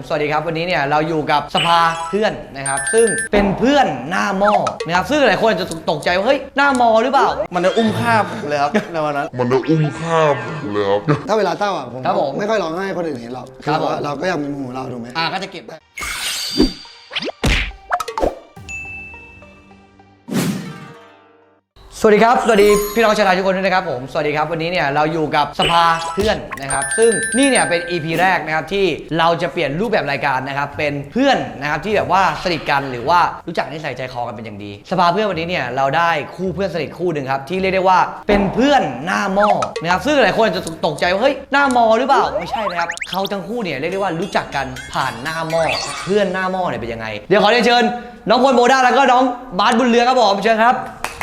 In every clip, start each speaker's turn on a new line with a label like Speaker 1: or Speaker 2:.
Speaker 1: สวัสดีครับวันนี้เนี่ยเราอยู่กับสภาเพื่อนนะครับซึ่งเป็นเพื่อนหน้าหม้อนะครับซึ่งหลายคนจะตกใจว่าเฮ้ยหน้ามอหรือเปล่า
Speaker 2: มันจะอุ้มข้ามเลยครับในวันนั้น
Speaker 3: มันจะอุ้มข้ามเลยครับ
Speaker 4: ถ้าเวลาเศร้าอ่ะ
Speaker 1: ผม
Speaker 4: ไม่ค่อยร้องไห้คนอื่นเห็นหรอกคือว่าเราก็อยากมีมุมของเราถูกไหม
Speaker 1: ก็จะเก็บสวัสดีครับสวัสดีพี่น้องชาวไทยทุกคนด้วยนะครับผมสวัสดีครับวันนี้เนี่ยเราอยู่กับสภาเพื่อนนะครับซึ่งนี่เนี่ยเป็น EP แรกนะครับที่เราจะเปลี่ยนรูปแบบรายการนะครับเป็นเพื่อนนะครับที่แบบว่าสนิทกันหรือว่ารู้จักนิสัยใจคอกันเป็นอย่างดีสภาเพื่อนวันนี้เนี่ยเราได้คู่เพื่อนสนิทคู่หนึ่งครับที่เรียกได้ว่าเป็นเพื่อนหน้าหม้อนะครับซึ่งหลายคนจะตกใจว่าเฮ้ยหน้ามอหรือเปล่าไม่ใช่นะครับเขาทั้งคู่เนี่ยเรียกได้ว่ารู้จักกันผ่านหน้าหม้อเพื่อนหน้าหม้อเนี่ยเป็นยังไงเดี๋ยวขอเรียนเชิญน้องพลโมด้าแล้วก็น้องบาสบุญเรืองครับผมเชิญครับ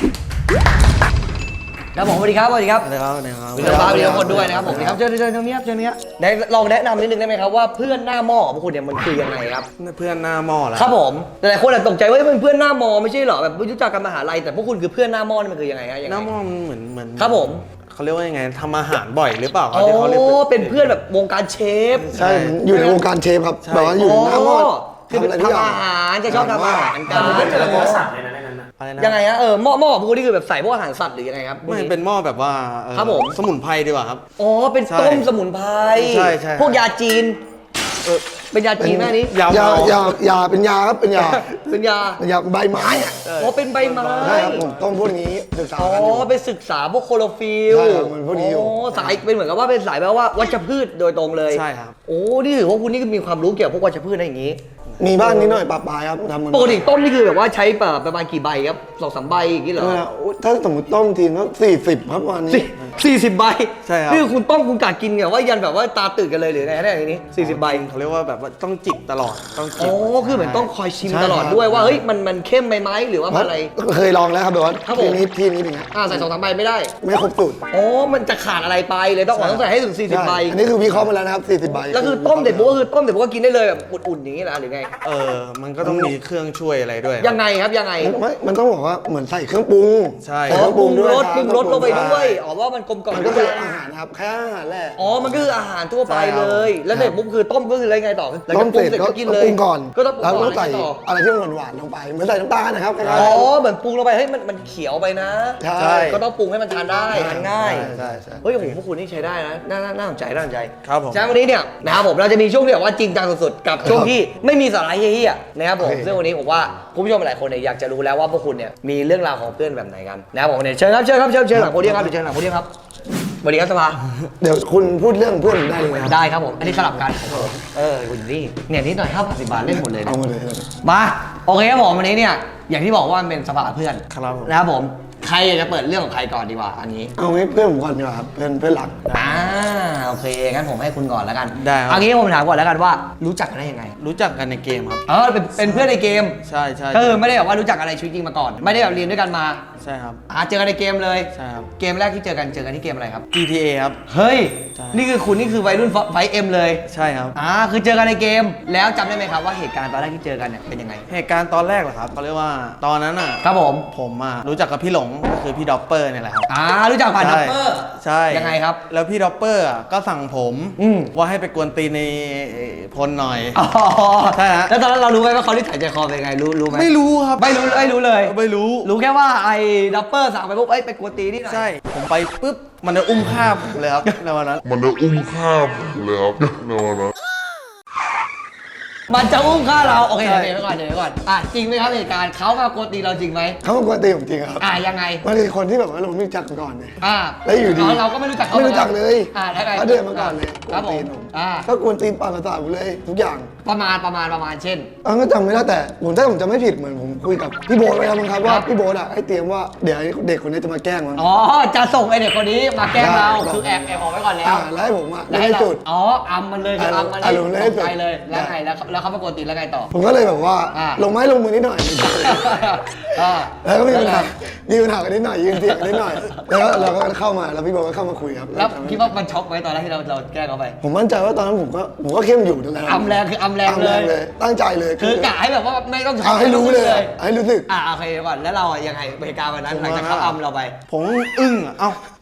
Speaker 1: ครับผมสวัสดีครับสวัสดีครับ
Speaker 2: สวัสดีครับ
Speaker 1: มีน้องฟ้ามีน้องคนด้วยนะครับผมครับเชิญตรงนี้ครับเชิญนี้ได้ลองแนะนำนิดนึงได้ไหมครับว่าเพื่อนหน้าหม้อของพวกคุณเนี่ยมันคือยังไงครับ
Speaker 2: เพื่อนหน้าหม้อแล้ว
Speaker 1: ครับผมหลายคนอาจตกใจว่าเป็นเพื่อนหน้าหม้อไม่ใช่เหรอแบบรู้จักกันมหาลัยแต่พวกคุณคือเพื่อนหน้าหม้อนี่มันคือยังไงฮะ
Speaker 2: หน้าหม้อมันเหมือน
Speaker 1: ครับผม
Speaker 2: เขาเรียกว่ายังไงทำอาหารบ่อยหรือเปล่า
Speaker 1: อ๋อเป็นเพื่อนแบบวงการเชฟ
Speaker 4: ใช่อยู่ในวงการเชฟครับแบบว่าอยู่หน้าหม้อ
Speaker 1: คือทำอาหารจะชอบทำอาหารกันยังไงฮะหม้อของพวกคุณนี่คือแบบใส่พวกอาหารสัตว์หรือยังไงครับ
Speaker 2: ไม่เป็นหม้อแบบว่า
Speaker 1: ครับผม
Speaker 2: สมุนไพรดีกว่าครับ
Speaker 1: อ๋อเป็นต้มสมุนไพร
Speaker 2: ใช่
Speaker 1: พวกยาจีนเป็นยาจีนแม่นี้
Speaker 4: ยาเป็นยาครับเป็นยาใบไม้อ่ะ
Speaker 1: อ๋อเป็นใบไม้
Speaker 4: ใช่ครับผมต้มพวกนี้ศึกษากัน
Speaker 1: อ๋อไปศึกษาพวกโคโรฟิล
Speaker 4: ใช่ครับมันพวกนี้อยู่
Speaker 1: สายเป็นเหมือนกับว่าเป็นสายแบบว่าวัชพืชโดยตรงเลย
Speaker 2: ใช่ครับ
Speaker 1: โอ้นี่ถือว่าคุณนี่มีความรู้เกี่ยวกับพวกวัชพืชอะไรอย่างงี้
Speaker 4: มีบ้างนิดหน่อยปะปายครับทำมัน
Speaker 1: ปกติต้มนี่คือแบบว่าใช้ประมาณกี่ใบครับ2-3 ใบอย่างงี้เหรอ
Speaker 4: ถ้าสมมติต้มทีก็40ครับวันนี้
Speaker 1: 40 ใบ
Speaker 2: ใช่ครับ
Speaker 1: นี่คุณต้มคุณกะกินแบบว่ายันแบบว่าตาตื่นกันเลยหรือไงเนี่ยอย่างนี้40 ใบ
Speaker 2: เขาเรียกว่าแบบว่าต้องจิบตลอดต้องจิบ
Speaker 1: อ๋อคือเหมือนต้องคอยชิมตลอดด้วยว่าเฮ้ยมันเข้มไหมหรือว่าอะไร
Speaker 4: เคยลองแล้วครับแบบว่าทีนี้เป็นไง
Speaker 1: ใส่2-3 ใบไม่ได้
Speaker 4: ไม่ครบสูตร
Speaker 1: อ๋อมันจะขาดอะไรไปเลยต้องใส่ให้ถึง40 ใบ
Speaker 4: อันนี้คือวิเคราะห์มาแล้วนะครับ40 ใบ
Speaker 1: แล้วคือต้มเด็ดปุ๊บก็คือต้มเด็ดปุ๊บก็กินได้เลยแบบอุ่นๆอย่างนี้นะหรือไง
Speaker 2: มันก็ต้องมีเครื่องช่วยอะไรด้วย
Speaker 1: ยังไงครับยังไง
Speaker 4: มันต้องบอกว่าเหมือนใส่เครื่องปรุง
Speaker 2: ใช่
Speaker 1: ปรุงรสลงไปด้วยว่ามันกลมกล่อม
Speaker 4: มันก็คืออาหารครับแค่อาหารแหละ
Speaker 1: มันก็คืออาหารทั่วไปเลยแล้วเด็ดปุ๊บคือต้มก็คืออะไรไงต่อ
Speaker 4: ต้มเสร็จก็กินเลยปรุงก่อน
Speaker 1: ก็ต้อง
Speaker 4: แล้วก็ใส่อะไรที่มันหวานลงไปเหมือนใส่น้ำตาลนะครับ
Speaker 1: เหมือนปรุงลงไปเฮ้ยมันเขียวไปนะ
Speaker 4: ใช่
Speaker 1: ก็ต้องปรุงให้มันทานได้ทานง่าย
Speaker 4: ใช่
Speaker 1: เฮ้ยโอ้โหพวกคุณนี่ใช้ได้นะน่าสนใจ
Speaker 2: ครับผม
Speaker 1: ฉะนั้นวันนี้เนี่ยนะครับผมเราจะมีช่วงที่แบบว่าจริงจังสุดๆกับช่วงที่ไม่มีสาระเฮี้ยๆนะครับผมซึ่งวันนี้ผมว่าคุณผู้ชมหลายคนเนี่ยอยากจะรู้แล้วว่าพวกคุณเนี่ยมีเรื่องราวของเพื่อนแบบไหนกันนะครับผมเนี่ยเชิญหลังโพเดียมครับเชิญหลังโพเดียมครับสวัสดีครับสภา
Speaker 4: เดี๋ยวคุณพูดเรื่องเพื่อนได้เลย
Speaker 1: ได้ครับผมอันนี้สลับกันคุณนี่เนี่ยนิดหน่อย50 บาทเล่นหมดเลย
Speaker 4: เอาหมดเลย
Speaker 1: มาโอเคครับผมวันนี้เนี่ยอย่างที่บอกว่ามันเป็นสภาเพื่อนนะครับผมใครอยากจะเปิดเรื่องของใครก่อนดีกว่าอันนี้
Speaker 4: เอาให้เพื่อนผมก่อนดีกว่าครับเพื่อนหลัก
Speaker 1: โอเคงั้นผมให้คุณก่อนแล้วกัน
Speaker 2: ได้
Speaker 1: อันนี้ผมถามก่อนแล้วกันว่ารู้จักกันได้ยังไง
Speaker 2: รู้จักกันในเกมครับ
Speaker 1: เป็นเพื่อนในเกม
Speaker 2: ใช่
Speaker 1: ไม่ได้แบบว่ารู้จักอะไรชีวิตจริงมาก่อนไม่ได้แบบเรียนด้วยกันมา
Speaker 2: ใช่ครับ
Speaker 1: เจอกันในเกมเลย
Speaker 2: ใช่ครับ
Speaker 1: เกมแรกที่เจอกันที่เกมอะไรครับ
Speaker 2: GTA ครับ
Speaker 1: เฮ้ยนี่คือวัยรุ่นไฟเอ็มเลย
Speaker 2: ใช่ครับ
Speaker 1: คือเจอกันในเกมแล้วจำได้ไหมครับว่าเหตุการณ์ตอนแรกที่เจอกันเนี่ยเป็นยังไง
Speaker 2: เหตุการณ์ตอนแรกเหรอครับเขาเรียกว่าตอนนั้น
Speaker 1: ครับ
Speaker 2: ผมรู้จักกับพี่หลงก็คือพี่ด็อปเปอร์เนี่ยแหละครับ
Speaker 1: รู้จักผ่านด็อปเปอร์
Speaker 2: ใช่
Speaker 1: ยังไงครับ
Speaker 2: แล้วพี่ด็อปเปอร์ก็สั่งผมว่าให้ไปกวนตีในพลหน่อยใช่ฮะ
Speaker 1: แล้วตอนนั้นเรารู้ไหมว่าเขาที่ถ่ายใจคอเป็นยังไงรู้ไหม
Speaker 2: ไม่รู้ครับ
Speaker 1: ไม่รู้เลย
Speaker 2: ไม่รู้
Speaker 1: แค่ว่าไอ้ด็อปเปอร์สั่งไปปุ๊บไปกวนตีนี่หน่อย
Speaker 2: ใช่ผมไปปุ๊บมันจะอุ้มข้ามเลยครับในวันนั้น
Speaker 3: มันจะอุ้มข้ามเลยครับในวันนั้น
Speaker 1: มันจะอุ้มฆ่าเราโอเคเดี๋ยวก่อนจริงไหมครับเหตุการณ์เขามากวนตีเราจริงไหม
Speaker 4: เขามากวนตีผมจริงครับ
Speaker 1: ยังไง
Speaker 4: มันคือคนที่แบบว่าเราไม่รู้จักก่อนเลย
Speaker 1: แล้ว
Speaker 4: อยู่ดี
Speaker 1: เราก็ไม่รู้จักเขา
Speaker 4: ไม่รู้จักเลยเขาเดินมาก่อนเลย
Speaker 1: ครับผม
Speaker 4: ก็กวนตีนปากกระสาผมเลยทุกอย่าง
Speaker 1: ประมาณเช่น
Speaker 4: ก็จำไม่ได้แต่ถ้าผมจำไม่ผิดเหมือนผมคุยกับพี่โบ๊ทไว้แล้วมั้งครับว่าพี่โบ๊ทให้เตรียมว่าเดี๋ยวเด็กคนนี้จะมาแกล้งมั้ง
Speaker 1: จะส่งไอเด็กคนนี้มาแกล้งเราคือแอบออกไว้ก่อนแล้ว
Speaker 4: แล้วให้ผมได้จุด
Speaker 1: อัมมันเลยคืออัมมันเลยตกใจเลยแล้วไงแล้วเขามากวนตีแล้วไงต่อ
Speaker 4: ผมก็เลยแบบว่าลงไม้ลงมือนิดหน่อยแล้วก็มีปัญหากันนิดหน่อยยืนเถียงกันนิดหน่อยแล้วเราก็เข้ามาแล้วพี่โบ๊ทก็เข้ามาคุยครับ
Speaker 1: แล้วคิดว่ามันช็อกไหมตอนแรกที่เราแกล้งเขาไป
Speaker 4: ผมมั่นใจว่าตอนนั้นผมก็เข้มอยู่นั่นแหละ
Speaker 1: อัมแรงคืออัมแรงเลย
Speaker 4: ตั้งใจเลย
Speaker 1: คือกะให้แบบว่าไม่ต้อง
Speaker 4: เอาให้รู้เลยให้รู้สึก
Speaker 1: โอเคก่อนแล้วเรายังไงเหตุการณ์วันนั้นหลังจากเขาอัมเราไป
Speaker 2: ผมอึ้ง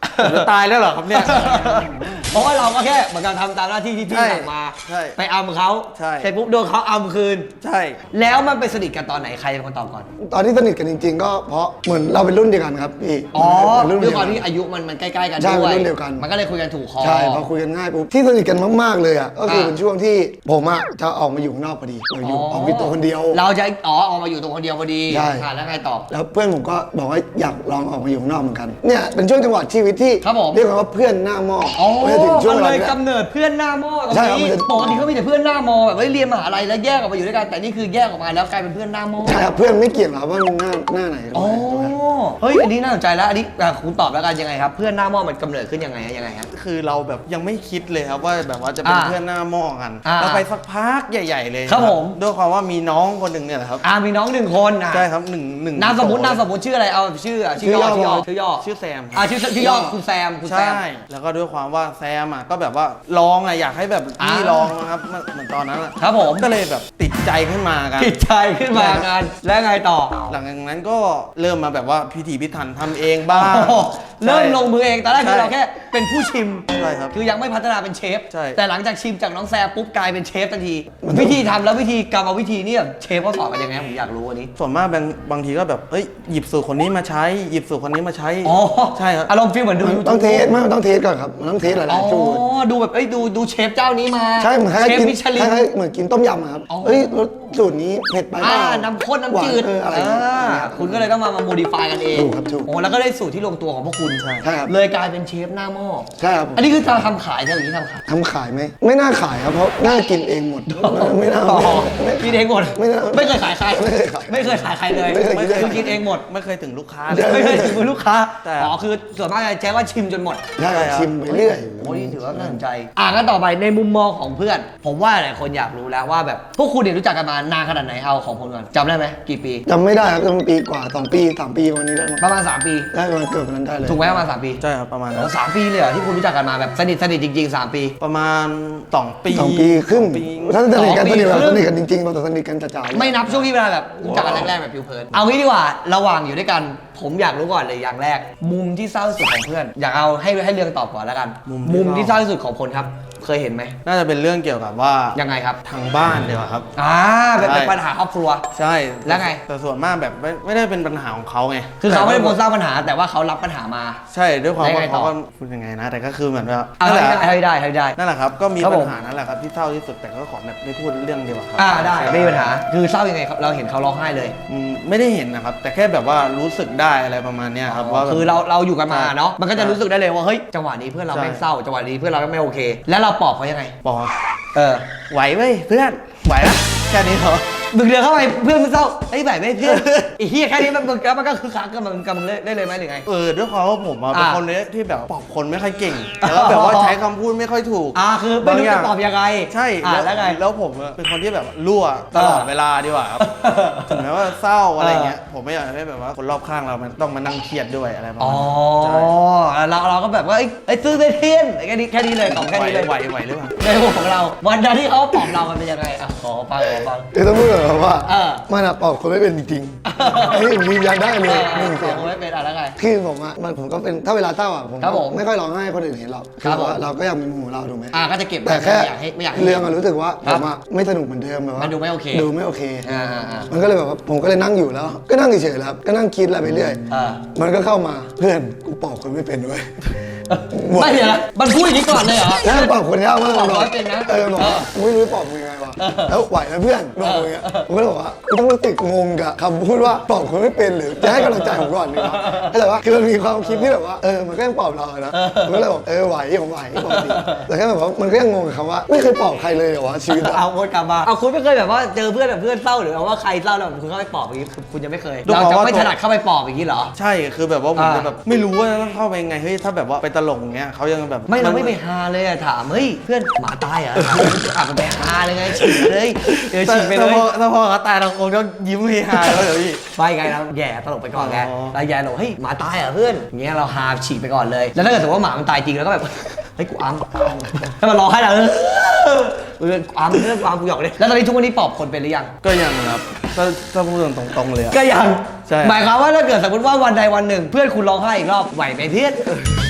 Speaker 2: ผมจะตายแล้วเหรอครับเนี่ย
Speaker 1: เพราะว่าเราก็แค่เหมือนกับทำตามหน้าที่ที่พี่
Speaker 2: ใช่
Speaker 1: สั่งมา
Speaker 2: ใช่
Speaker 1: ไปอัมเขา
Speaker 2: ใช่
Speaker 1: เสร็จปุ๊บโดนเขาอัมคืน
Speaker 2: ใช่
Speaker 1: แล้วมันไปสนิทกันตอนไหนใครเป็นคนตอบก่อน
Speaker 4: ตอนที่สนิทกันจริง ๆ ก็เพราะเหมือนเราเป็นรุ่นเดียวกันครับพี่
Speaker 1: อ๋อ
Speaker 4: เป็นรุ่น
Speaker 1: ด้
Speaker 4: เดี
Speaker 1: วย
Speaker 4: ยว
Speaker 1: ความ
Speaker 4: กัน
Speaker 1: ที่อายุมันใกล้ๆกัน
Speaker 4: ใช่
Speaker 1: ด้วย
Speaker 4: เป็นรุ่นเดียวกัน
Speaker 1: มันก็เลยคุยกันถูกคอ
Speaker 4: ใช่พอคุยกันง่ายปุ๊บที่สนิทกันมากๆเลยอ่ะก็คือ
Speaker 1: อ่า
Speaker 4: เป็นช่วงที่ผมอ่ะจะออกมาอยู่ข้างนอกพอดีออกไปตัวคนเดียว
Speaker 1: เราจะออกมาอยู่ตัวคนเดียวพอดี
Speaker 4: ใช่
Speaker 1: แล้วไงต่อ
Speaker 4: แล้วเพื่อนผมก็บอกว่าอยากลองออกมาอยู่ข้างนอกเหมือนกันเนี่ยเป็นช่วงจังหวะชีวิตที่
Speaker 1: ครับผม
Speaker 4: เรียกว่าเพื่อนหน้าหม้อ
Speaker 1: อ๋อ
Speaker 4: ไม่ได้ถึงช่วง
Speaker 1: มัน
Speaker 4: เว
Speaker 1: เล
Speaker 4: ลาย นี้
Speaker 1: กำเนิดเพื่อนหน้าหม้อตรง
Speaker 4: ใช่ครับ
Speaker 1: นี้
Speaker 4: มันจะ
Speaker 1: ปกติเขามีแต่เพื่อนหน้ามอแบบเรียนมหาลัยแล้วแยกออกมาอยู่ด้วยกันแต่นี่คือแยกออกมาแล้วกลายเป็นเพื่อนหน้าหม้อ
Speaker 4: ใช่ครับเพื่อนไม่เกี่ยงหรอกว่ามันหน้าไหน
Speaker 1: อ๋อเฮ้ยอันนี้น่าสนใจแล้วอันนี้คุณตอบแล้วกันยังไงครับเพื่อนหน้าหม้อมันกำเนิดขึ้นยังไงฮะ
Speaker 2: คือเราแบบยังไม่คิดเลยครับว่าแบบว่าจะเป็น
Speaker 1: อ่า
Speaker 2: เพื่อนหน้าหม้อกัน
Speaker 1: อ่า
Speaker 2: เราไปสักพักใหญ่ ๆ เลย
Speaker 1: ครับผม
Speaker 2: ด้วยความว่ามีน้องคนหนึ่งเนี่ยแหละครับ
Speaker 1: มีน้องหนึ่งคนอ่ะ
Speaker 2: ใช่ครับหนึ่ง
Speaker 1: นามสมมติชื่ออะไรเอาชื่อย่อ
Speaker 2: ชื่อแซม
Speaker 1: ชื่อย่อคุณแซม
Speaker 2: ใช่แล้วก็ด้วยความว่าแซมอ่ะก็แบบว่าลองอ่ะอยากให้แบบพี่ลองนะครับเหมือนตอนนั้นอะ
Speaker 1: ครับผม
Speaker 2: ก็เลยแบบติดใจขึ้นมากัน
Speaker 1: ติดใจขึ้นมางานแล้วไงต่อ
Speaker 2: หลังจากนั้นก็เริ่มมาแบบว่าพิถีพิถันทำเองบ้าง
Speaker 1: โอ้โหเริ่มลงมือเองตอนแรกคือ
Speaker 2: ใช่
Speaker 1: เราแค่เป็นผู้ชิม
Speaker 2: ใช่ครับ
Speaker 1: คือยังไม่พัฒนาเป็นเชฟ
Speaker 2: ใช่
Speaker 1: แต่หลังจากชิมจากน้องแซมปุ๊บกลายเป็นเชฟทันที วิธีทำแล้ววิธีกรรมวิธีนี่แบบเชฟเขาสอนกันยังไงผมอยากรู้อันนี้
Speaker 2: ส่วนมากบางทีก็แบบเอ้ยหยิบสูตรคนนี้มาใช้หยิบสูตรคนนี้มาใช้
Speaker 1: อ๋อ
Speaker 2: ใช่ครับ
Speaker 1: อารมณ์ฟีลเหมือนดู
Speaker 4: มันต้องเทสไม่มันต้องเทสก่อนครับมันต้องเทสห
Speaker 1: อ๋
Speaker 4: ลายๆสูตร
Speaker 1: อดูแบบดูเชฟเจ้านี้มา
Speaker 4: ใช่เหมือนคล้าย
Speaker 1: เชฟ
Speaker 4: ๆกิน
Speaker 1: มิชลิ
Speaker 4: คน ล้ายๆเหมือนกินต้มยำอะครับ
Speaker 1: อ๋อ
Speaker 4: เอ้ยรสสูตรนี้เผ็ดไปเปล่า
Speaker 1: น้ำข้นน้ำจืด
Speaker 4: หวานอะไรอย่างเงี้ย
Speaker 1: คุณก็เลยต้องมาโมดิฟายกันเอง
Speaker 4: ถูกครับถูก
Speaker 1: โอ้แล้วก็ได้สูตรที่ลงตัวของพวกคุณ
Speaker 4: ใช่ครับ
Speaker 1: เลยกลายเป็นเชฟหน้าหม้อ
Speaker 4: ใช่ครับ
Speaker 1: อันนี้คือจะทำขายใช่ไหมที่ทำขาย
Speaker 4: ทำขายไหมไม่น่าขายครับเพราะน่ากินเองหมดไม่น่า
Speaker 1: อ๋อ
Speaker 4: ไม่
Speaker 1: กินเองหมด
Speaker 4: ไม่น่า
Speaker 1: ไม่เคยขายใคร
Speaker 4: ไม่เคยขาย
Speaker 1: ไม่เคยขายใครเลย
Speaker 4: ไม่เคย
Speaker 1: คือกินเองหมด
Speaker 2: ไม่เคยถึงลูกค้า
Speaker 4: ใช่
Speaker 1: ไม่เคยถึงมือลูกค้า
Speaker 2: แต่
Speaker 1: อ๋อคือส่วนมากจะแจ้งว่าชิมจนหมด
Speaker 4: ใช่ครับชิมไปเรื่อย
Speaker 1: โอ้ยถือว่าน่าสนใจงั้นต่อไปในมุมมองของเพื่อน ผมว่าหลายคนอยากรู้แล้วว่าแบบพวกคุณเนี่ยรู้จักกันมานานขนาดไหนเอาของผมก่อนจำได้ไหมกี่ปี
Speaker 4: จำไม่ได้ครับจำปีกว่า2 ปี3 ปีวันนี้ได้มั้ง
Speaker 1: ประมาณ 3 ปี
Speaker 4: ได้ประมาณเกือบวันนั้นได้เลย
Speaker 1: ถูกไหมประมาณ 3 ปี
Speaker 2: ใช่ครับประมาณ
Speaker 1: โอ้
Speaker 2: นั้น
Speaker 1: 3 ปีเลยเหรอที่คุณรู้จักกันมาแบบสนิทจริงๆ 3 ปี
Speaker 2: ประมาณ2 ปี
Speaker 4: 2 ปีครึ่ง
Speaker 2: 2 ปี
Speaker 4: ถ้าสนิทกัน
Speaker 1: 2 ปี
Speaker 4: สนิทกันจริงๆเราจะสนิทกันจ๋าๆ
Speaker 1: ไม่นับช่วงที่เวลาแบบรู้จักกันแรกๆแบบผิวเผินเอางี้ดีกว่าระหว่างอยู่ด้วยกัน ผมอยากรู้ก่อนเลยอย่างแรก มุมที่เศร้าที่สุดของเพื่อน อยากเอาให้เรื่องตอบก่อนแล้วกัน มุมที่เศร้าที่สุดของคนครับ เคยเห็นไหม
Speaker 2: น่าจะเป็นเรื่องเกี่ยวกับว่า
Speaker 1: ยังไงครับ
Speaker 2: ทางบ้านเดียวาครับ
Speaker 1: เป็น
Speaker 2: ใช่
Speaker 1: ปัญหาครอบครัว
Speaker 2: ใช่
Speaker 1: แล้วไง
Speaker 2: แต่ส่วนมากแบบไม่ได้เป็นปัญหาของเขาไง
Speaker 1: คือเขาไม่ได้เป็นคนสร้างปัญหาแต่ว่าเขารับปัญหามา
Speaker 2: ใช่ด้วยความ
Speaker 1: แล้ว
Speaker 2: ว่า
Speaker 1: ไงต่อ
Speaker 2: เขาก็พูดยังไงนะ แต่ก็คือเหมือนว่า
Speaker 1: เอา
Speaker 2: นั่นแหละ
Speaker 1: ให้ได้
Speaker 2: นั่นแหละครับ ก็มี
Speaker 1: ครับ
Speaker 2: ปั
Speaker 1: ผ
Speaker 2: ญ
Speaker 1: ม
Speaker 2: หานั่นแหละครับที่เศร้าที่สุดแต่ก็ขอแบบไม่พูดเรื่องเดียวาครับ
Speaker 1: ได้ไม่มีปัญหา คือเศร้ายังไงครับเราเห็นเขาร้องไห้เลย
Speaker 2: ไม่ได้เห็นนะครับ แต่แค่แบบว่ารู้สึกได้อะไรประมาณเนี้ยครับว่าแบบ
Speaker 1: คือเราอยู่กันมาเนาะมันก็จะ
Speaker 2: ใช่
Speaker 1: รู้สึกได้เลยว่าเฮ้ยจังหวะนี้เพื่อนเรา
Speaker 2: ใช่
Speaker 1: ไม่งเศร้าจังหวะนี้เพื่อนเราไม่โอเค แล้วเราปลอบเขายังไง
Speaker 2: บอก
Speaker 1: เ
Speaker 2: ไหวเว้ยเพื่อนไหวละแค่นี้เหรอ
Speaker 1: มึงเดินเข้าไปเพื่อนมึงเศร้าไอ้ยแบบไม่เพื่อน ไอ้เฮียแค่นี้มันก็คือคักกับมึงได้เลยไหมหรือไง
Speaker 2: ด้วยความว่าผมอะเป็น
Speaker 1: อ่า
Speaker 2: คนเนี้ยที่แบบปอบคนไม่ค่อยเก่ง แล้วก็แบบว่าใช้คำพูดไม่ค่อยถูก
Speaker 1: คือไม่รู้จะตอบยังไง
Speaker 2: ใช่
Speaker 1: แล้วไง
Speaker 2: แล้วผมอะเป็นคนที่แบบรั่วตลอดเวลาดีกว่าครับ ถึงแม้ว่าเศร้าอะไรเงี้ยผมไม่อยากให้แบบว่าคนรอบข้างเรามันต้องมานั่งเครียดด้วยอะไรประ
Speaker 1: อ๋
Speaker 2: มา
Speaker 1: อ
Speaker 2: ณนั้นใช่
Speaker 1: เราก็แบบว่าไอ้ซื้อได้เทียนแค่นี้เลยของแค่นี้เลย
Speaker 2: ไหวหรือเปล่า
Speaker 1: ในหัวของเราวันนั้นที่เขาปลอบเรามันเป็นยังไงขอฟัง
Speaker 4: คือต้องพูดก่อนครับว่า
Speaker 1: เออ
Speaker 4: มันอะปอกคนไม่เป็นจริงๆอันนี้ผมยืนยันได้เลยหนึ่งเสียง
Speaker 1: ผมไม่เป็นอะไรแล้วไง
Speaker 4: คือผมอะผมก็เป็นถ้าเวลาเศร้าอะผม
Speaker 1: ครับผม
Speaker 4: ไม่ค่อยร้องไห้ให้คนอื่นเห็นหรอก
Speaker 1: ครับผม
Speaker 4: ว่าเราก็อยากมีมุมของเราถูกไหม
Speaker 1: ก็จะเก็บไว้
Speaker 4: แต่แค่
Speaker 1: ไม่อยากให้
Speaker 4: เรื่องอะรู้สึกว่า
Speaker 1: ค
Speaker 4: ผ
Speaker 1: รับ
Speaker 4: มอะไม่สนุกเหมือนเดิมแบบว่า
Speaker 1: มันดูไม่โอเค
Speaker 4: ดูไม่โอเค
Speaker 1: อ่า
Speaker 4: มันก็เลยแบบว่าผมก็เลยนั่งอยู่แล้ว ก็นั่งเฉยๆแล้วครับก็นั่งคิดอะไรไปเรื่อย มันก็เข้ามาเพื่อนกูปอกคนไม่เป็นเว้ย
Speaker 1: ไม่เดี๋ยวนะมันพูดอย่างนี้ก่อนเลยเหรอ
Speaker 4: แล้วปอกคนยากมาก
Speaker 1: ปอกร้อยเป็นนะ
Speaker 4: บอกว่ากูไม่รู้จะปอกมึงยังไงวะแล้วไหวนะเพื่อนบอกมึงอะผมก็เลยบอกว่ากูต้องรู้สึกงงกับคำพูดว่าปอกคนไม่เป็นหรือจะให้กำลังใจผมก่อนดีกว่าแต่ว่าคือมันมีความคิดที่แบบว่ามันก็ยังปอบเราอะนะผมก็เลยบอกไหวผมไหวปกติแต่แค่แบบว่ามันก็ยังงงกับคำว่าไม่เคยปอบใครเลยเหรอวะชีวิตอะ
Speaker 1: เอาวนกลับมาเอาคุณไม่เคยแบบว่าเจอเพื่อนแบบเพื่อนเศร้าหรือว่าใครเศร้าแล้วคุณเข้าไปปลอบอย่างนี้คุณยังไม่เคยเราจะไม่ถนัดเข้าไปปลอบอย่างนี้เหรอ
Speaker 2: ใช่คือแบบว่าผมจะแบบไม่รู้ว่าต้องเข้าไปยังไงเฮ้ยถ้าแบบว่าไปตลกอย่างเงี้ยเขายังแบบ
Speaker 1: เราไม่ไปฮาเลยอะถามเฮ้ยเพื่อนหมาตายเหรอมันไปฮาเลยไงฉีกเลยฉีกไปเลย
Speaker 2: ถ้าพอเขาตายเราคงต้องยิ้มเฮฮาแล้วเดี๋ยวพี่
Speaker 1: ไปไงเราแย่ตลกไปก่อนไง
Speaker 2: อ๋อ
Speaker 1: เราแย่เราเฮ้ยหมาตายเหรอเพื่อนอย่างเงี้ยเราฮาฉีกไปก่อนเลยแล้วถ้าเกิดสมมติว่าหมามันตายจริงแล้วก็แบบเฮ้ยกูอัมให้มันร้องให้เรากูอัมเพื่อนกูอัมกูหยอกเลยแล้วตอนนี้ทุกวันนี้ปอบคนเป็นหรือยัง
Speaker 2: ก็ยังครับถ้าพูดตรงๆเลยอะ
Speaker 1: ก็ยัง
Speaker 2: ใช่
Speaker 1: หมายความว่าถ้าเกิดสมมติว่าวันใดวันหนึ่ง เพื่อนคุณร้องไห้อีกรอบไหวไหมเพื่อน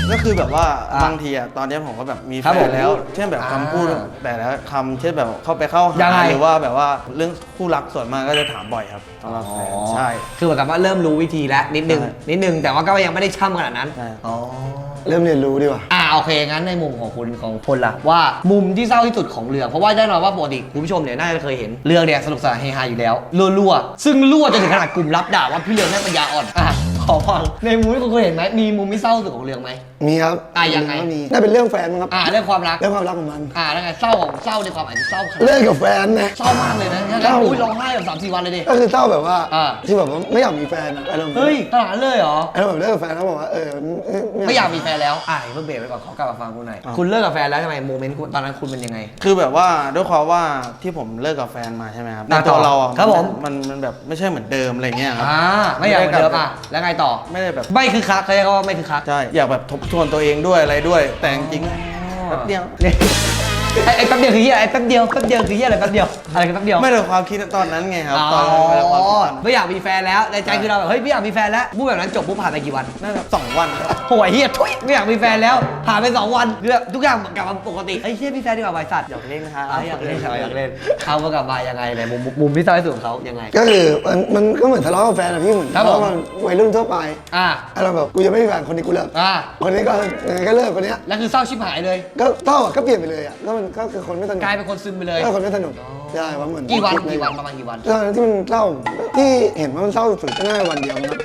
Speaker 2: ก็คือแบบว่า
Speaker 1: อ่ะ
Speaker 2: บางทีอะตอนนี้ผมก็แบบมี
Speaker 1: ครั
Speaker 2: แฟ
Speaker 1: บผม
Speaker 2: นแล้ว เช่นแบบคำพูด
Speaker 1: อ่า
Speaker 2: แต่ละคำเช่นแบบเข้าไปเข้า
Speaker 1: ยัง
Speaker 2: หา
Speaker 1: ไง
Speaker 2: หรือว่าแบบว่าเรื่องคู่รักส่วนมากก็จะถามบ่อยครับสำหรับแฟนใช่
Speaker 1: คือเหมือนกับว่าเริ่มรู้วิธีแล้วนิดนึง
Speaker 2: ใช่
Speaker 1: นิดนึงแต่ว่าก็ยังไม่ได้ช่ำขนาดนั้น
Speaker 2: ใช่
Speaker 1: อ๋อ
Speaker 4: เริ่มเรียนรู้ดีกว่า
Speaker 1: โอเคงั้นในมุมของคุณของพลล่ะว่ามุมที่เศร้าที่สุดของเรื่องเพราะว่าแน่นอนว่าปกติคุณผู้ชมเนี่ยน่าจะเคยเห็นเรื่องเนี่ยสนุกสนานเฮฮาอยู่แล้วรั่วๆซึ่งรั่วจนถึงขนาดกลุ่มรับด่าว่าพี่เรืองแม่งปัญญาอ่อนขอฟังในมุมที่คุณเคยเห็นไหมมีมุมที่เศร้าที่สุดของเรื่องไหม
Speaker 4: มีครับ
Speaker 1: ยังไง
Speaker 4: ก็มีน่าเป็นเรื่องแฟนมั้งครับ
Speaker 1: เรื่องความรัก
Speaker 4: เรื่องความรักของมัน
Speaker 1: แล้วไงเศร้าของเศร้าในความอาจจะเศร้าขนาด
Speaker 4: เลิกกับแฟนนะ
Speaker 1: เศร้ามากเลยนะงั้นแล้วอุ้ยร้องไห้แบบ3-4 วันเลยดิ
Speaker 4: ก็คือเศร้าแบบว่า
Speaker 1: อ่า
Speaker 4: ที่แบบว่าไม่อยากมีแฟนอะอารมณ์
Speaker 1: เฮ้ยขนาดนั้นเลยเหรอ
Speaker 4: อารมณ์แบบเลิกกับแฟนแล้วบอกว่า
Speaker 1: ไม่อยากมีแฟนแล้วเพิ่งเบรกไปก่อนขอกลับมาฟังคุณหน่อยคุณเลิกกับแฟนแล้วทำไมโมเมนต์ตอนนั้นคุณเป็นยังไง
Speaker 2: คือแบบว่าด้วยความว่าที่ผมเลิกกับแฟนมาใช่ไหมครับ
Speaker 1: อ่ะ
Speaker 2: ในตัวเราอะ
Speaker 1: ครับผม
Speaker 2: มันแบบไม่ใช่เหมือนเดิมอะไรเงี้ยครับ
Speaker 1: ไม่อยากเหมือนเดิมแล้วไงต่อ
Speaker 2: ไม่ได้แบบ
Speaker 1: ไม่คือคักเขาเรียกว่าไม่คือคัก
Speaker 2: ใช่อยากแบบทบทวนตัวเองด้วยอะไรด้วย แต่จริงๆแป๊บเดียว
Speaker 1: ไอ้แป๊บเดียวคือเหี้ยไอ้แป๊บเดียวคือเหี้ยอะไรแป๊บเดียวอะไรคือแป๊บเดียว
Speaker 2: ไม่ได้ความคิดตอนนั้นไงครับตอน
Speaker 1: อ๋อ
Speaker 2: ไม่ได้ความคิดตอนนั้น
Speaker 1: ไม่อยากมีแฟนแล้วในใจคือเราแบบเฮ้ยไม่อยากมีแฟนแล้วพูดแบบนั้นจบปุ๊บผ่านไปกี่วัน
Speaker 2: น่าจะ2 วันครับ
Speaker 1: โหยเฮียทุยไม่อยากมีแฟนแล้วผ่านไป2 วันเรื่องทุกอย่างกลับมาปกติไอ้เฮียมีแฟนดีกว่าบริษัท
Speaker 2: อยากเล่นนะครับ
Speaker 1: อยากเล่นอยากเล่นเขาก็กลับมายังไงในมุมที่เศร้าที่สุดของเขายังไง
Speaker 4: ก็คือมันก็เหมือนทะเลาะกับแฟนอะพี่เหมือน
Speaker 1: ครับ
Speaker 4: ทะเลาะ
Speaker 1: ผม
Speaker 4: กันวัยรุ่นทั่วไป
Speaker 1: อ่า
Speaker 4: อะไรแบบกูจะไม่มีแฟนคนนี้กูเลิก คนนี้ก็ยังไงก็เลิกคนเนี้ย
Speaker 1: แล้วคือเศร้าชิบหายเลย
Speaker 4: ก็เศร้าอะก็เปลี่ยนไปเลยอะก็มันก็คือคนไม่สนุก
Speaker 1: กลายเป็นคนซึมไปเลย
Speaker 4: ก็คนไม่สนุกใช่ว่าเหมือน
Speaker 1: กี่วัน
Speaker 4: คิดเลย
Speaker 1: ประมาณกี่วัน
Speaker 4: ตอนนั้นที่มันเศร้าที่เห็นว่ามันเศร้าสุดๆก็น่าจะวันเดียวมั้งครับ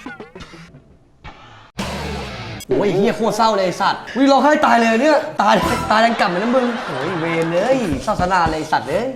Speaker 1: โอ้ยเฮียโคตรเศร้าเลยไอ้สัตว์วิร้องไห้ตายเลยเนี่ยตายยังกลับเหมือนน้ำมึงโอ้ยเวรเลยเศร้าสนาเลยไอ้สัตว์เลย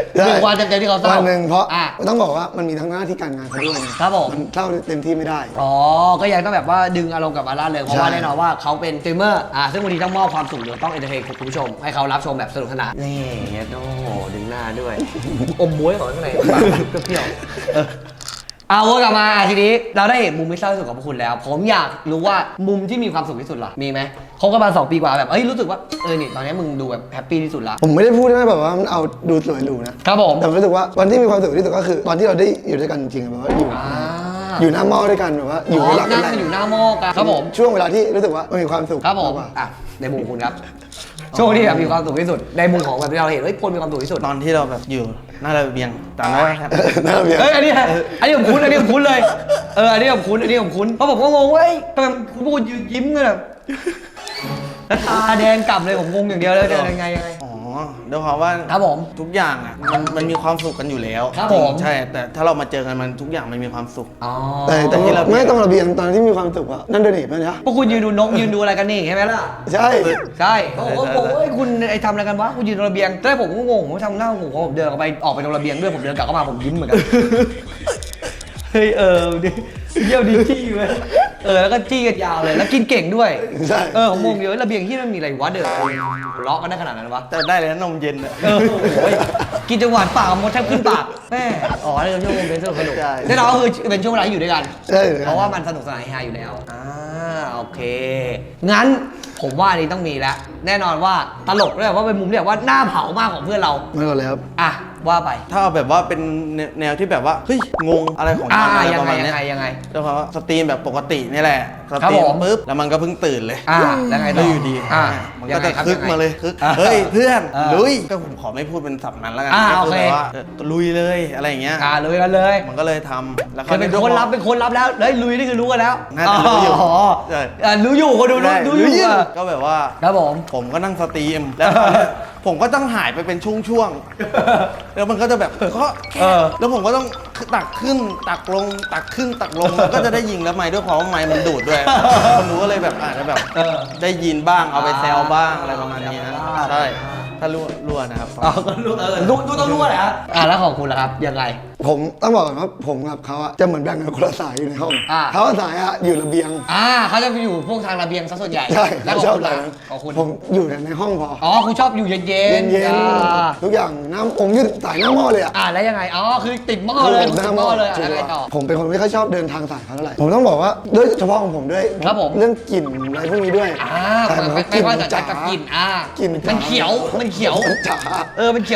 Speaker 1: 1 วันเต็มๆที่เขาเศร้า
Speaker 4: วันหนึ่งเพราะ
Speaker 1: อ่ะ
Speaker 4: ต้องบอกว่ามันมีทั้งหน้าที่การงานเขาด้วยไง
Speaker 1: ครับผม
Speaker 4: นเศร้าเต็มที่ไม่ได้
Speaker 1: ก็ยังต้องแบบว่าดึงอารมณ์กลับมาล่าเริงเพราะว่า
Speaker 4: ใช่
Speaker 1: แน่นอนว่าเขาเป็นสตรีมเมอร์ซึ่งวันนี้ต้องมอบความสุขหรือต้องเอนเตอร์เทนคุณผู้ชม ให้เขารับชมแบบสนุกสนานนี่โอ้โหดึงหน้าด้วย อมบ้วยของข้างในก็เปรี้ยววนกลับมาทีนี้เราได้เห็นมุมที่เศร้าที่สุดของพวกคุณแล้ว ผมอยากรู้ว่ามุมที่มีความสุขที่สุดล่ะมีไหมเขาก็มา2 ปีกว่าแบบรู้สึกว่านี่ตอนนี้มึงดูแบบแฮปปี้ที่สุดละ
Speaker 4: ผมไม่ได้พูดนะแบบว่ามันเอาดูสวยหรูนะครับ
Speaker 1: ผม
Speaker 4: แต่ผมรู้สึกว่าวันที่มีความสุขที่สุดก็คือ ตอนที่เราได้อยู่ด้วยกันจริงๆแบบว่าอยู่หน้าหม้อด้วยกันแบบว่าอยู่หลัง
Speaker 1: นั่งอยู่หน้าหม้อกันครับผม
Speaker 4: ช่วงเวลาที่รู้สึกว่ามันมีความสุข
Speaker 1: ครับผม
Speaker 4: ากกว่า
Speaker 1: ในมุมคุณครับช่วงที่แบบมีความสุขที่สุดในมุมของแบบที่เราเห็นพลมีความสุขที่สุด
Speaker 2: ตอนที่เราแบบอยู่หน้าระเบียงตอนนั้นครับ
Speaker 4: หน้าระเบียง
Speaker 1: อันนี้ผมคุ้นเลย อันนี้ผมคุ้นเพราะผมก็งงว่าทำไมคุณพูดยิ้มกันแบบแล้วตาแดงกล่ำเลยผมงงอย่างเดียวเลยยังไง
Speaker 2: อ๋อด้วยความว่า
Speaker 1: ครับผม
Speaker 2: ทุกอย่างอ่ะมันมีความสุขกันอยู่แล้ว
Speaker 1: ครับผม
Speaker 2: ใช่แต่ถ้าเรามาเจอกันมันทุกอย่างมันมีความสุข
Speaker 4: แต่ที่เราไม่ต้องระเบียงตอนที่มีความสุขอะนั่นด้วยนี่ป่ะเนี่ย
Speaker 1: พวกคุณยืนดูนกยืนดูอะไรกันนี่ใช่ไหมล่ะ
Speaker 4: ใช่
Speaker 1: ใช่โอ้โหคุณทำอะไรกันวะคุณยืนตรงระเบียงแต่ผมก็งงผมทำหน้างงผมเดินออกไปตรงระเบียงด้วยผมเดินกลับเข้ามาผมยิ้มเหมือนกันเฮ้ยดิเยี่ยวดีจี้เลยแล้วก็จี้กันยาวเลยแล้วกินเก่งด้วย
Speaker 4: ใช่
Speaker 1: ผมงงอยู่ระเบียงที่มันมีอะไรวะเด้อหัวเราะกันได้ขนาดนั้นวะ
Speaker 2: แต่ได้เลยนะนมเย็นอ่ะ
Speaker 1: โอ้ยกินจังหวานปากมดแทบขึ้นปากแม่นี่เป็นช่วงโมเมนต์สนุก
Speaker 2: ใช่
Speaker 1: แน่นอนก็คือเป็นช่วงเวลาที่อยู่ด้วยกัน
Speaker 4: ใช่
Speaker 1: เพราะว่ามันสนุกสนานเฮฮาอยู่แล้วโอเคงั้นผมว่าอันนี้ต้องมีแล้วแน่นอนว่าตลกด้วยว่าเป็นมุมที่แบบว่าหน้าเผามากของเพื่อนเรา
Speaker 4: ไม่ก่อนเลยครับ
Speaker 1: ว่าไป
Speaker 2: ถ้าเอาแบบว่าเป็นแนวที่แบบว่าเฮ้ยงงอะไรของมันอะไร
Speaker 1: ยั
Speaker 2: ประ
Speaker 1: ไง
Speaker 2: มาณเนี้
Speaker 1: ยังไง
Speaker 2: แล้วเขาสตรีมแบบปกตินี่แหละส
Speaker 1: ครับ
Speaker 2: ตรี
Speaker 1: ผม ม
Speaker 2: ปุ๊บแล้วมันก็เพิ่งตื่นเลย
Speaker 1: แล้วไงต่
Speaker 2: แล้
Speaker 1: อ
Speaker 2: วอยู่ดีมัน
Speaker 1: ยั
Speaker 2: ก็
Speaker 1: งไง
Speaker 2: จะ
Speaker 1: ครับ
Speaker 2: คึก
Speaker 1: ยังไง
Speaker 2: มาเลยคึก
Speaker 1: อ่า
Speaker 2: เฮ้ยเพื่อน
Speaker 1: อ่า
Speaker 2: ลุยก็ผมขอไม่พูดเป็นศัพท์นั้นแล้วกัน
Speaker 1: โอ
Speaker 2: ก็
Speaker 1: เค
Speaker 2: แบบว่าลุยเลยอะไรอย่างเงี้ย
Speaker 1: ลุยกันเลย
Speaker 2: มันก็เลยทำแล้ว
Speaker 1: คือเป็นคนรับแล้วเฮ้ยลุยนี่คือรู้กันแล้ว
Speaker 2: น่าจะรู้อยู่ใช่
Speaker 1: รู้อยู่คนดูรู้
Speaker 2: ได้
Speaker 1: รู้อยู่
Speaker 2: ก็แบบว่า
Speaker 1: ครับผม
Speaker 2: ผมก็นั่งสตรีมแล้วตอนเนี้ยผมก็ต้องหายไปเป็นช่วงๆแล้วมันก็จะแบบแล้วผมก็ต้องตักขึ้นตักลงตักขึ้นตักลงมันก็จะได้ยิงแล้วไม้ด้วยความว่าไม้มันดูดด้วยคนดูก็เลยแบบอาจจะแบบได้ยินบ้างเอาไปแซวบ้างอะไรประมาณนี้นะใช่ถ้ารั่วนะครับ
Speaker 1: ก็รู้ต้องรู้แหละแล้วของคุณล่ะครับยังไง
Speaker 4: ผมต้องบอกก่อนว่าผมกับเขาอะจะเหมือนแบ่งกันคนละสายอยู่ในห้อง เขาสายอะอยู่ระเบียง
Speaker 1: เขาจะไปอยู่พวกทางระเบียงซะส่วนใหญ่
Speaker 4: ใช่
Speaker 1: แล้ว
Speaker 4: เขา
Speaker 1: ข
Speaker 4: ช
Speaker 1: อ
Speaker 4: อง บ
Speaker 1: คุณ
Speaker 4: สา
Speaker 1: ล่ะ
Speaker 4: ยนั้น
Speaker 1: ของคุณ
Speaker 4: ผมอยู่แต่ในห้องพอ
Speaker 1: คุณชอบอยู่เย็น
Speaker 4: เย็นๆทุกอย่างผมอยู่สายหน้าหม้อเลยอะ
Speaker 1: แล้วยังไงคือติดหม้อเลยติดหม้อเลยแล้วไงต่อ
Speaker 4: ผมเป็นคนไม่ค่อยชอบเดินทางสายเขาเท่าไหร่ผมต้องบอกว่าด้วยเฉพาะของผมด้วย
Speaker 1: ครับผม
Speaker 4: เรื่องกลิ่นอะไรพวกนี้ด้วย
Speaker 1: ไม่ว่าจะจัดกับกลิ่น
Speaker 4: กลิ่น
Speaker 1: มันเขียว
Speaker 4: จ๋า
Speaker 1: มันเขียว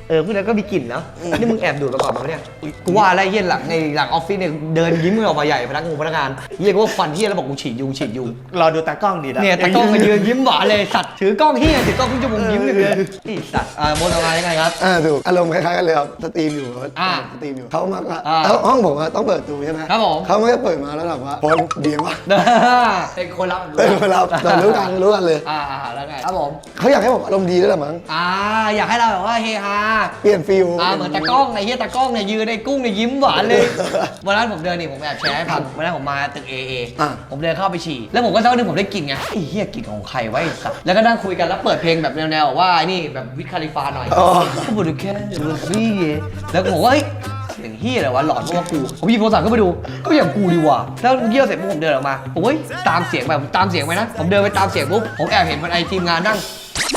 Speaker 1: พวกนั้นก็มีกลิ่นเนาะนี่มึงแอบดูดมาก่อนมั้งเนี่ยกูว่าอะไรเหี้ยหลังในหลังออฟฟิศเนี่ยเดินยิ้มมือออกมาใหญ่พนักงานเหี้ยกูว่าฟันเหี้ยแล้วบอกกูฉีดยุง
Speaker 2: รอดูตากล้องดีนะ
Speaker 1: เนี่ยตากล้องมายืนยิ้มหวานเลยสัตว์ถือกล้องเหี้ยถือกล้องขึ้นจมูกยิ้มเลยไอ้สัตว์โมดอะไรยังไงครับ
Speaker 4: ถูกอารมณ์คล้ายๆกันเลยครับสตรีมอยู่
Speaker 1: อ่า
Speaker 4: สตรีมอยู่เขามา
Speaker 1: อ่า
Speaker 4: แล้วห้องผมอะต้องเปิดตูใช่ไหม
Speaker 1: ครับผม
Speaker 4: เขาไม่ได้เปิดมาแล้วแบบว่าพลเบียร์วะ
Speaker 1: เป็นคนรับ
Speaker 4: เป็นเวลาเรารู้กันเลย
Speaker 1: แล้วไงครับผม
Speaker 4: เขาอยากให้ผมอารมณ์ดีด้วยแหละมั้ง
Speaker 1: อยากให้เราแบบว่าเฮฮา
Speaker 4: เปลี่ยนฟิล
Speaker 1: เหมือนตากล้องไอ้เหี้ยตากล้องเนี่ยยืนในกุ้งเนี่ยยิ้มหวานเลยวันนั้นผมเดินนี่ผมแอบแชร์ให้ฟังวันนั้นผมมาตึก AA ผมเดินเข้าไปฉี่แล้วผมก็สักพักนึงผมได้กลิ่นไงไอ้เหี้ยกลิ่นของใครวะไอ้สัสแล้วก็นั่งคุยกันแล้วเปิดเพลงแบบแนวๆว่าไอ้นี่แบบวิทคาลิฟาหน่อยก็บอกดูแค่ดูซี่แล้วก็บอกว่าเฮ้ยเสียงเหี้ยอะไรวะหลอนเพราะว่ากูผมหยิบโทรศัพท์ขึ้นมาดูก็อย่างกูดีว่ะแล้วเยี่ยวเสร็จปุ๊บผมเดินออกมาโอ้ยตามเสียงแบบตามเสียงไปนะผมเดินไปตามเสียงปุ๊บผมแอบเห็นคนไอทีมงานนั่ง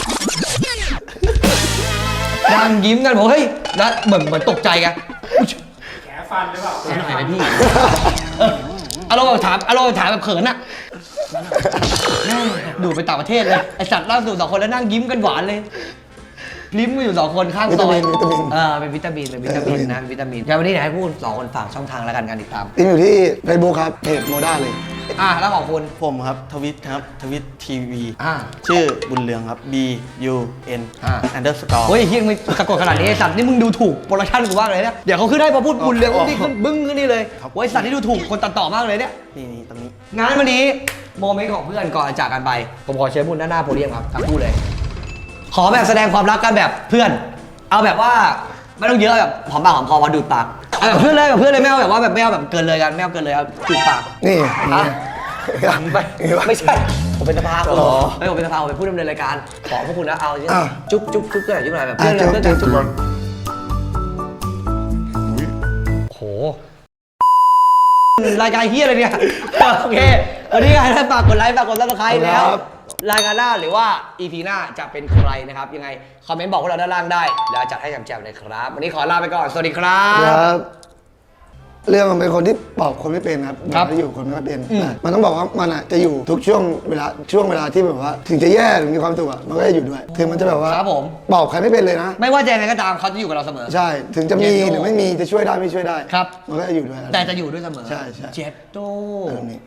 Speaker 1: ยิ้มกันผมเฮ้ยนะเหมือนตกใจไงแขฟันหรือเปล่าแขไหนพี่อารมณ์แบบถามแบบเขินอะดูไปต่างประเทศเลยไอสัตว์ล่าสุด2 คนแล้วนั่งยิ้มกันหวานเลยลิ้มมาอยู่2 คนข้างซอยเป็นวิตามินนะวิตามินงั้นวันนี้เดี๋ยวให้พูด2 คนฝากช่องทางแล้วกันการติดตาม
Speaker 4: ทีมอยู่ที่ Facebook ครับเพจโมด้าเลย
Speaker 1: แล้วของคุณ
Speaker 2: ผมครับทวิตครับทวิตทีวี
Speaker 1: อ่า
Speaker 2: ชื่อบุญเรืองครับ B U N _.
Speaker 1: เฮ้ยเฮียมึงสะกดขนาดนี้ไอ้สัตว์นี่มึงดูถูกโปรดักชั่นกูมากเลยเนี่ยเดี๋ยวเขาขึ้นได้พอพูดบุญเรืองนี่ขึ้นบึ้งขึ้นนี่เลยโอ้ยสัตว์นี่ดูถูกคนตัดต่อมากเลยเนี่ย
Speaker 2: นี่ตรงนี้
Speaker 1: งานวันนี้โมเมนต์ของเพื่อนก่อนจากกันไปผมขอเชิญบุญด้านหน้าโพเดียมครับทั้งคู่เลย ขอแบบแสดงความรักกันแบบเพื่อน เอาแบบว่าไม่ต้องเยอะแบบหอมปากหอมคอมาดูดปากเอาแบบเพื่อนเลยไม่เอาแบบว่าแบบไม่เอาแบบเกินเลยกันไม่เอาเกินเลยเอาจูบปาก
Speaker 4: นี่
Speaker 1: ไม่ใช่ผมเป็นสภาไม่ผมเป็นสภาผมเป็นผู้ดำเนินรายการขอพวกคุณนะเอาจุ๊บก็หน่อยจุ๊บหน่อยแบบเพื่อนเลยเพื่อนกันจุ๊บโหรายการเฮียอะไรเนี่ยโอเควันนี้ใครฝากกดไลค์ฝากกดซับสไครต์แล้วรายการหน้าหรือว่า EP หน้าจะเป็นใครนะครับยังไงคอมเมนต์บอกพวกเราด้านล่างได้แล้วจัดให้แจ่มๆเลยครับวันนี้ขอลาไปก่อนสวัสดีครับ
Speaker 4: ครับเรื่องมันเป็นคนที่ปอบคนไม่เป็นครับ
Speaker 1: ครับ
Speaker 4: มันจะอยู่คนไม่ค่อยเป็นมันต้องบอกว่ามันจะอยู่ทุกช่วงเวลาที่แบบว่า ถึงจะแย่หรือมีความสุขอะมันก็จะอยู่ด้วยถึงมันจะแบบว่า
Speaker 1: ครับผม
Speaker 4: ปอบใครไม่เป็นเลยนะ
Speaker 1: ไม่ว่าจะยังไงก็ตามเขาจะอยู่กับเราเสมอ
Speaker 4: ใช่ถึงจะมีหรือไม่มีจะช่วยได้ไม่ช่วยได้
Speaker 1: ครับ
Speaker 4: มันก็จะอยู่ด้วย
Speaker 1: แต่จะอยู่ด้วยเสมอ
Speaker 4: ใช่
Speaker 1: เจ็ดโต
Speaker 4: แบบนี้